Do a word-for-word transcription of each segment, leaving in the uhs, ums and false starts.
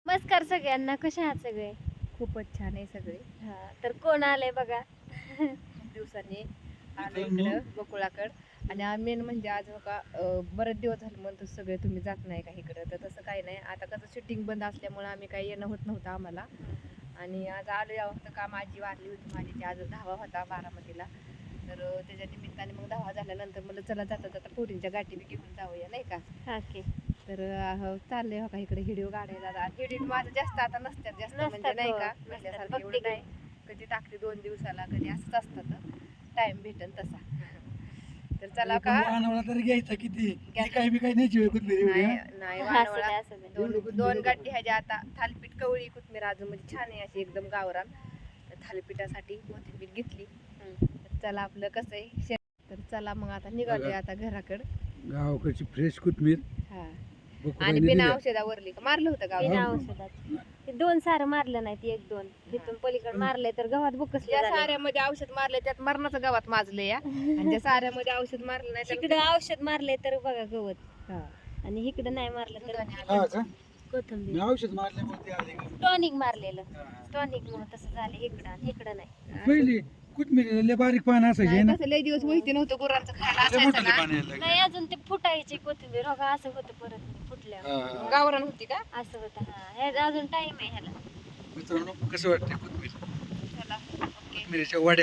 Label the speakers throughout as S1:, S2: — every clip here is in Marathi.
S1: नमस्कार सगळ्यांना, कशा आहात सगळे?
S2: खूपच छान आहे सगळे.
S1: हा तर कोण आलंय बघा.
S2: खूप दिवसांनी आलो इकडं गोकुळाकड. आणि मेन म्हणजे आज बघा अं, बरेच दिवस झाले म्हणतो सगळे तुम्ही जात नाही का इकडं, तर तसं काही नाही. आता कसं शूटिंग बंद असल्यामुळं आम्ही काही येणं होत नव्हतं आम्हाला. आणि आज आलो यावं होतं काम, आजी वारली होती माझी, ती आज दहावा होता बारामतीला. तर अं, त्याच्या निमित्ताने मग दहावा झाल्यानंतर मला चला जाता जाता पोरींच्या गाठी बी घेऊन जाऊया नाही का.
S1: हा की
S2: तर अं, चाललंय हो का इकडे हिडिओ काढायला. हिडिओ माझं जास्त आता नसतात जास्त म्हणजे
S1: नसतात,
S2: नाही
S1: हो,
S2: का
S1: नसतात.
S2: पहिल्यासारखं
S1: बघते
S2: एवढं
S1: काय.
S2: नाही. कधी टाकते दोन दिवसाला, कधी असंच असतात, टाइम भेटन तसा. तर चला का
S3: वानवळा तरी घ्यायचा किती
S2: घ्या.
S3: ती काही बी काही न्यायची होय कोथिंबीर एवढी,
S2: नाही
S3: हा?
S2: नाही
S1: असं
S2: वानवळा
S1: दे, असं दे.
S2: दोन दोन गड्डी ह्याच्या आता थालपीठ कवळी कोथमीर अजून म्हणजे छान आहे अशी एकदम गावरान. तर थालीपीठासाठी कोथिंबीर घेतली. तर चला आपलं कसं आहे शे- तर चला मग आता निघालोय आता घराकडं.
S3: गावाकडची फ्रेश कोथमीर
S2: हा
S3: बकुळाने
S2: आणि बिना
S3: दिल्या.
S2: औषधावरली का मारलं होतं गावात.
S1: बिना औषधात ते दोन सारं मारलं नाही, ती एक दोन तिथून पलीकडे मारलंय तर गव्हात बुकसले
S2: ज्या
S1: झाले.
S2: साऱ्यामध्ये औषध मारले त्यात मरणाचं गावात माजले या, आणि ज्या साऱ्यामध्ये औषध मारलं नाही
S1: इकडे
S2: त्याला-
S1: औषध मारलंय तर बघा गवत,
S2: हा.
S1: आणि इकडे नाही मारलं तर
S3: हा का? मी
S1: कोथंबीर.
S3: औषध मारल्यामुळे ते आले का?
S1: टॉनिक मारलेलं,
S3: हा.
S1: टॉनिक मुळे तसं झालं इकडं आणि इकडं नाही.
S3: पहिली कोथमीर लय बारीक पान असायचे
S2: नाही,
S3: ना,
S2: तसं लय दिवस माहिती नव्हतं गुरांचं खायला
S3: लय
S2: असायचं
S3: मोठं
S2: ना.
S3: पाणी यायला लागलं.
S1: नाही अजून ते फुटायची कोथिंबीर हो का, असं होतं परत फुटल्या
S3: हा, हा.
S2: गावरान होती का.
S1: असं होतं. हा हे अजून टाइम आहे ह्याला.
S3: मित्रांनो कसं वाटतंय कोथमीर,
S2: चला ओके
S3: कोथमिरीच्या वड्या.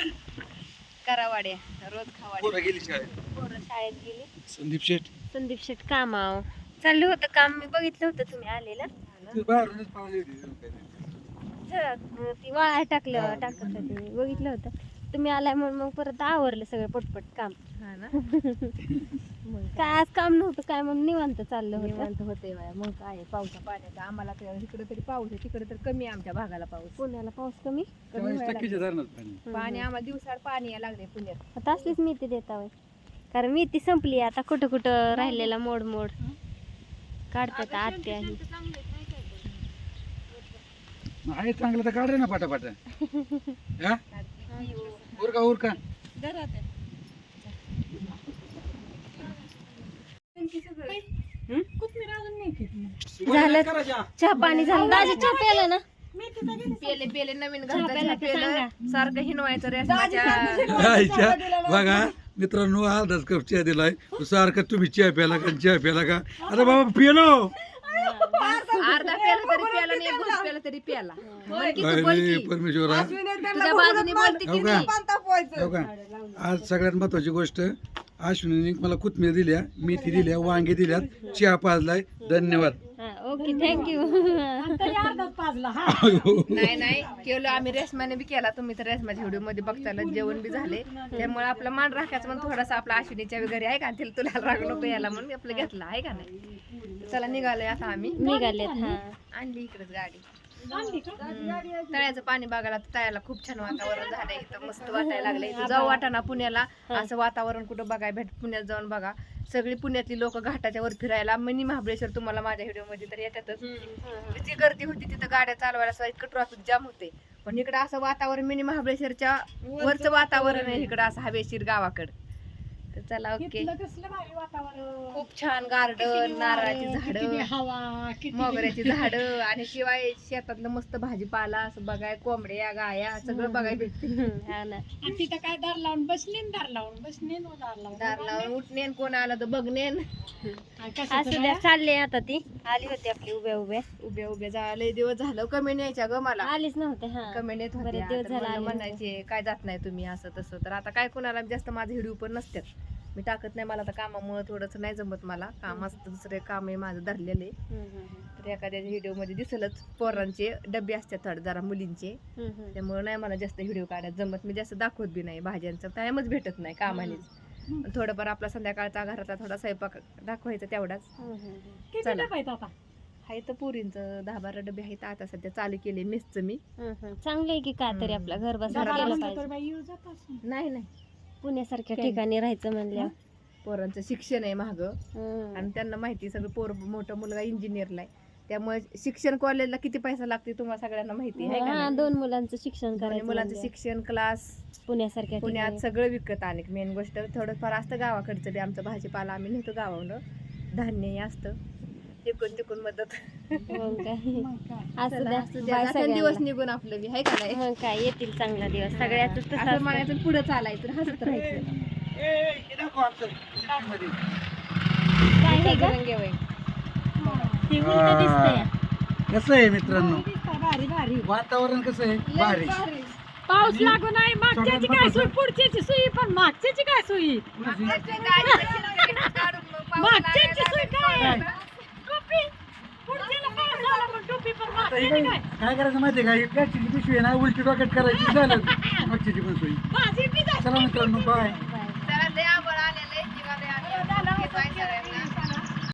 S2: करा वाड्या रोज खावाड्या.
S3: पोरं गेली शाळेत.
S1: पोरं शाळेत गेली.
S3: संदीप शेठ
S1: संदीप शेट कामाव चाललं होतं काम, मी बघितलं होतं तुम्ही आलेलं.
S3: तू बाहेरूनच पावली होती.
S1: जरा अं, ती वाळा टाकलं टाकत होते, मी बघितलं होतं तुम्ही आलाय म्हणून मग परत आवरलं सगळं पटपट काम.
S2: हा ना.
S1: काय आज काम नव्हतं काय म्हणून निवांत चाललं होतं.
S2: निवांत होते बाया. मग काय आहे, पावसा पाण्याचा आम्हाला तर इकडे तरी पाऊस आहे, तिकडे तर कमी आहे आमच्या भागाला पाऊस.
S1: पुण्याला पाऊस कमी.
S2: कमी
S3: चाळीस
S2: व्हायला
S3: टक्केच्या धरणात पाणी.
S2: लागलं. पाणी आम्हाला दिवसाड पाणी यायला लागले पुण्यात.
S1: आता असलीच मेथी देता होय, कारण मेथी संपली आता कुठं कुठं राहिलेला मोड मोड काढतात आत्या ही.
S3: आहे चांगलं तर काढ रे ना पाटापाट. हा उरका उरका.
S1: झालं चहा पाणी झालं. दाजी चहा प्यायला ना.
S2: पेले पेले नवीन
S1: चहा प्यायला
S2: घरचं
S1: ते
S2: पेलं
S1: सांगा.
S2: सारखं हिनवायचं रेशमाच्या.
S3: आईच्या बघा मित्रांनो अर्धाच कप चहा दिलाय, सारखं तुम्ही चहा प्याला का चहा प्याला का. अरे बाबा पिलो
S2: अर्धा पेला तरी प्याला आणि एक घोट पेला तरी प्याला. बोल की तू, बोल
S3: अरे
S2: की.
S3: परमेश्वरा.
S2: तुझ्या बाजूने बोलते की
S3: हो का?
S2: नाही.
S3: हो का? आज सगळ्यात महत्वाची गोष्ट, अश्विनीने मला कोथमीर दिल्या, मेथी दिल्या, वांगे दिल्यात, चहा पाजलाय. धन्यवाद.
S1: हा, ओके थँक्यू.
S2: नाही नाही केलं आम्ही रेशमाने बी केला. तुम्ही तर रेशमाच्या व्हिडिओ मध्ये बघताला जेवण बी झाले, त्यामुळे आपला मान राखायचं म्हणून थोडासा आपला अश्विनीच्या घरी आहे का, तिला तुला राग नको यायला म्हणून आपलं घेतला आहे का नाही. चला निघालोय आता आम्ही.
S1: निघालेत. हा
S2: आणली इकडेच गाडी. हम्म. तळ्याचं पाणी बघायला तर तळ्याला खूप छान वातावरण झालंय इथं, मस्त वाटायला लागलंय. इथं जाऊ वाटाणा पुण्याला, असं वातावरण कुठं बघाय भेट. पुण्यात जाऊन बघा, सगळी पुण्यातली लोक घाटाच्या वर फिरायला. मिनी महाबळेश्वर तुम्हाला माझ्या व्हिडिओ मध्ये तर येतातच. जी गर्दी होती तिथं गाड्या चालवायला सुद्धा इतकं ट्रॉफिक जाम होते, पण इकडं असं वातावरण मिनी महाबळेश्वरच्या वरचं वातावरण आहे इकडं, असं हवेशीर गावाकडं. तर चला ओके. खूप छान गार्डन, नारळाची झाडं, मोगऱ्याची झाडं, आणि शिवाय शेतातलं मस्त भाजीपाला असं बघाय, कोंबड्या गाया सगळं बघाय भेटते.
S1: हा ना.
S4: तिथं काय दार लावून बसनेन दार लावून बसनेन व दार लावून
S2: दार लावून उठणेन, कोण आलं तर बघणेन.
S1: असं द्या, चालले आता. ती आली होती आपली उभ्या उभ्या
S2: उभ्या उभ्या जा लय दिवस झालं. कमेंट यायच्या ग मला,
S1: आलीच नव्हते. हा
S2: कमेंट येत
S1: बरेच
S2: होत्या.
S1: दिवस
S2: तर
S1: झाले
S2: मला
S1: आले
S2: म्हणायचे काय जात नाही तुम्ही असं तसं. तर आता काय कोणाला जास्त माझे व्हिडिओ पण नसतात, मी टाकत नाही. मला तर कामामुळे थोडंच नाही जमत. मला काम असतं, दुसरे काम आहे माझं धरलेलं आहे.
S1: हम्म, हम्म,
S2: तर एखाद्या व्हिडिओ मध्ये दिसलच पोरांचे डबे असतात थोडे जरा मुलींचे,
S1: हम्म, हम्म.
S2: त्यामुळे नाही मला जास्त व्हिडिओ काढायला जमत. मी जास्त दाखवत बी नाही, भाज्यांचा टाइमच भेटत नाही कामानेच. पण थोडंफार आपला संध्याकाळचा घरातला थोडा स्वयंपाक दाखवायचा तेवढाच.
S1: हम्म, हम्म, हम्म.
S4: किती
S2: चला.
S4: डबा आहेत आता
S2: आहे तर पुरींचं दहा बारा डबे आहेत. आता सध्या चालू केले मेसचं मी.
S1: हम्म, हम्म. चांगलं आहे की काय तरी आपला घर बसला
S2: घराला
S1: केलं
S4: असलं
S1: पाहिजे.
S4: तर बाई येऊ जात असेल.
S2: नाही नाही
S1: पुण्यासारख्या
S2: काय?
S1: ठिकाणी राहायचं म्हणल्यावर.
S2: पोरांचं शिक्षण आहे महाग,
S1: हम्म.
S2: आणि त्यांना माहिती सगळं. पोर मोठा मुलगा इंजिनियरला आहे, त्यामुळे शिक्षण कॉलेजला किती पैसा लागते तुम्हाला सगळ्यांना माहिती आहे का
S1: हा,
S2: नाही?
S1: दोन मुलांचं शिक्षण
S2: दोन्ही
S1: करायचं
S2: मुलांचं
S1: म्हणल्यावर.
S2: शिक्षण, क्लास,
S1: पुण्यासारख्या
S2: पुण्यात
S1: ठिकाणी.
S2: सगळं विकत. आणि मेन गोष्ट थोडंफार असतं गावाकडचं बी, आमचं भाजीपाला आम्ही नेतो गावावरून, धान्य हे असतं इकडून तिकडून मदत
S1: मग काय
S4: मग काय
S1: असू
S2: चला,
S1: द्या
S2: असू द्या.
S1: बाय
S2: आता दिवस
S1: सगळ्यांना.
S2: निघून आपलं बी हाय का नाही
S1: मग काय येतील चांगला दिवस सगळ्याच तसं
S2: असं
S1: असतं.
S2: म्हणायचं पुढे चालायचं हसत राहायचं
S1: काय हे ग?
S2: रंगे वय.
S1: ते उलटं दिसतंय.
S3: कसं आहे मित्रांनो
S4: दिसतंय भारी भारी
S3: वातावरण कसं आहे भारी
S4: पाऊस लागू नाही मागच्याची काय सोयी पुढच्याची सोयी पण मागच्याची काय सोयी
S2: मागच्याची गाडी कशी काढून मग पाऊस
S4: मागच्याची
S2: लागायला
S4: सोय काय
S2: लागला.
S4: टोपी पुढच्याला पाऊस आला पण टोपी पण
S3: आता हे
S4: मागच्याची
S3: काय
S4: काय
S3: काय करायचं माहितीये का ही प्लॅस्टिकची पिशवी आहे ना उलटी डोक्यात करायची झालं मागची पण सोयी
S4: माझी बी जास्त
S3: चला मित्रांनो बाय
S2: त्याला लय आवड आलेलं आहे जीवाला आलेलं आहे. सगळ्यांना